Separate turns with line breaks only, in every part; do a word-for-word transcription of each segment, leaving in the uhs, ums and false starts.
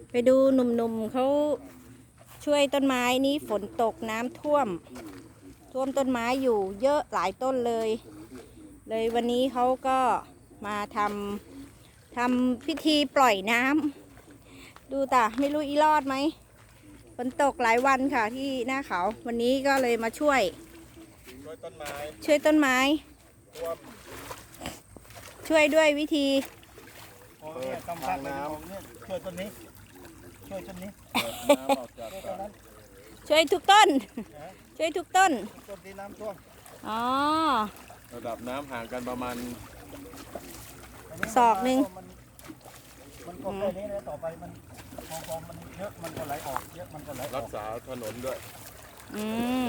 ไปดูหนุ่มๆเขาช่วยต้นไม้นี้ฝนตกน้ำท่วมท่วมต้นไม้อยู่เยอะหลายต้นเลย เลยวันนี้เขาก็มาทำทำพิธีปล่อยน้ำดูตาไม่รู้อีรอดไหมฝนตกหลายวันค่ะที่หน้าเขาวันนี้ก็เลยมาช่วย
ช่วยต้นไม้
ช่วยต้นไม้ช่วยด้วยวิธี
เปิดทางน้ำช่วยต้นนี้ช่วยต้นนี้
ช่วยทุกต้นช่วยทุกต้น
ต้นที่น้ำท่วม
อ๋อ
ระดับน้ำห่างกันประมาณ
ศอกหนึ่ง
มันก็แค่นี้นะต่อไปมันพอมันเยอะมันก็ไหลออกเยอะมันก็ไหลรักษาถนนด้วย
อืม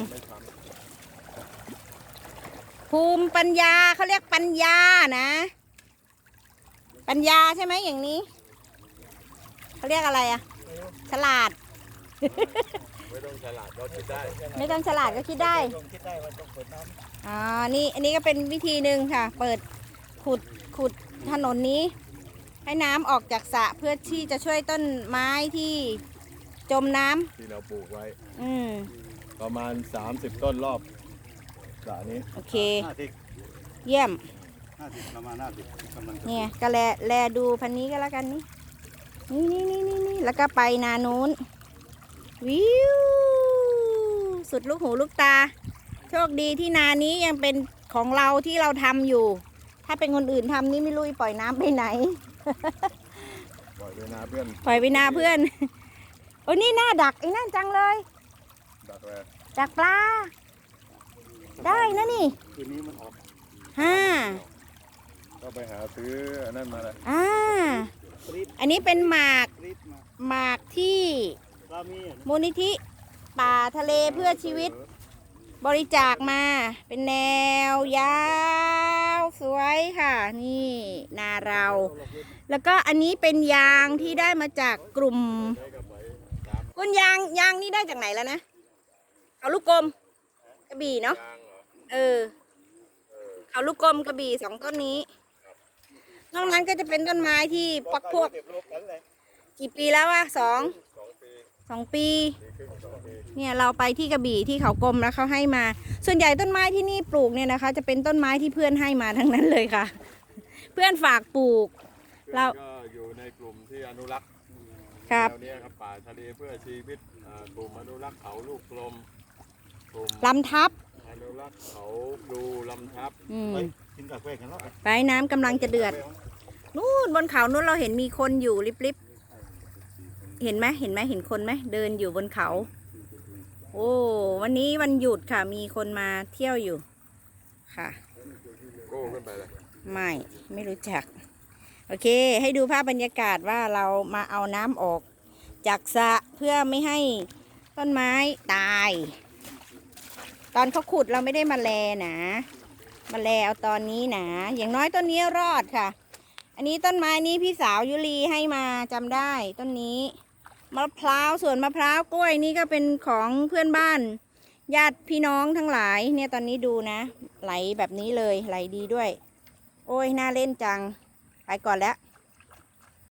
ภูมิปัญญาเขาเรียกปัญญานะปัญญาใช่ไหมอย่างนี้เขาเรียกอะไรอะฉลาด
ไม่ต้องฉลาดก็คิดได้
ไม่ต้องฉลาดก็คิดได้อ่านี่อันนี้ก็เป็นวิธีหนึ่งค่ะเปิดขุดขุดถนนนี้ให้น้ำออกจากสระเพื่อที่จะช่วยต้นไม้ที่จมน้ำ
ที่เราปลูกไว้
อืม
ประมาณสามสิบต้นรอบสระนี้
โอเคเยี่ยม
ประมาณห้าสิบ
เนี่ยก็แลแลดูพันนี้ก็แล้วกันนี่นี่นี่นี่นี่แล้วก็ไปนานู้นวิวสุดลูกหูลูกตาโชคดีที่นานี้ยังเป็นของเราที่เราทำอยู่ถ้าเป็นคนอื่นทำนี่ไม่รู้ปล่อยน้ำไปไหน
ปล่อยไปนาเพื่อน
ปล่อยไปนาเพื่อนโอ้นี่หน้าดักไอ้นั่นจังเลย
ดักอะไร
ดักปลาได้นะนี่
คืนนี้มันออก
ห้า
ก็ไปหาซื้ออันนั้นมาเลย
อ่าอันนี้เป็นหมากหมากที่มูลนิธิป่าทะเลเพื่อชีวิตบริจาคมาเป็นแนวยาวสวยค่ะนี่นาเราแล้วก็อันนี้เป็นยางที่ได้มาจากกลุ่มคุณยางยางนี่ได้จากไหนแล้วนะเอาลูกกลมกระบี่เนาะเออเอาลูกกลมกระบี่สองต้นนี้นอกนั้นก็จะเป็นต้นไม้ที่ปักพวกกี่ปีแล้ววะสองสองปีเนี่ยเราไปที่กระบี่ที่เขากลมแล้วเขาให้มาส่วนใหญ่ต้นไม้ที่นี่ปลูกเนี่ยนะคะจะเป็นต้นไม้ที่เพื่อนให้มาทั้งนั้นเลยค่ะเพื่อนฝากปลูกเรา
ก็อยู่ในกลุ่มที่อนุรักษ์
ครับ
แนวนี้ครับป่าทะเลเพื่อชีวิตกลุ่มอนุรักษ์เขาลูกกลม
ลำทับ
อนุรักษ์เขาดูลำทับ
ไปกินกาแฟกันแล้วไปน้ำกำลังจะเดือดนู่นบนเขานู้นเราเห็นมีคนอยู่ริบๆเห็นไหมเห็นไหมเห็นคนไหมเดินอยู่บนเขาโอ้วันนี้วันหยุดค่ะมีคนมาเที่ยวอยู่ค่ะ
โก้ขึ้นไปเลย
ไม่ไม่รู้จักโอเคให้ดูภาพบรรยากาศว่าเรามาเอาน้ำออกจากสระเพื่อไม่ให้ต้นไม้ตายตอนเขาขุดเราไม่ได้มาแลนะมาแลเอาตอนนี้นะอย่างน้อยต้นนี้รอดค่ะอันนี้ต้นไม้นี้พี่สาวยุรีให้มาจำได้ต้นนี้มะพร้าวส่วนมะพร้าวกล้วยนี่ก็เป็นของเพื่อนบ้านญาติพี่น้องทั้งหลายเนี่ยตอนนี้ดูนะไหลแบบนี้เลยไหลดีด้วยโอ้ยน่าเล่นจังไปก่อนแล้ว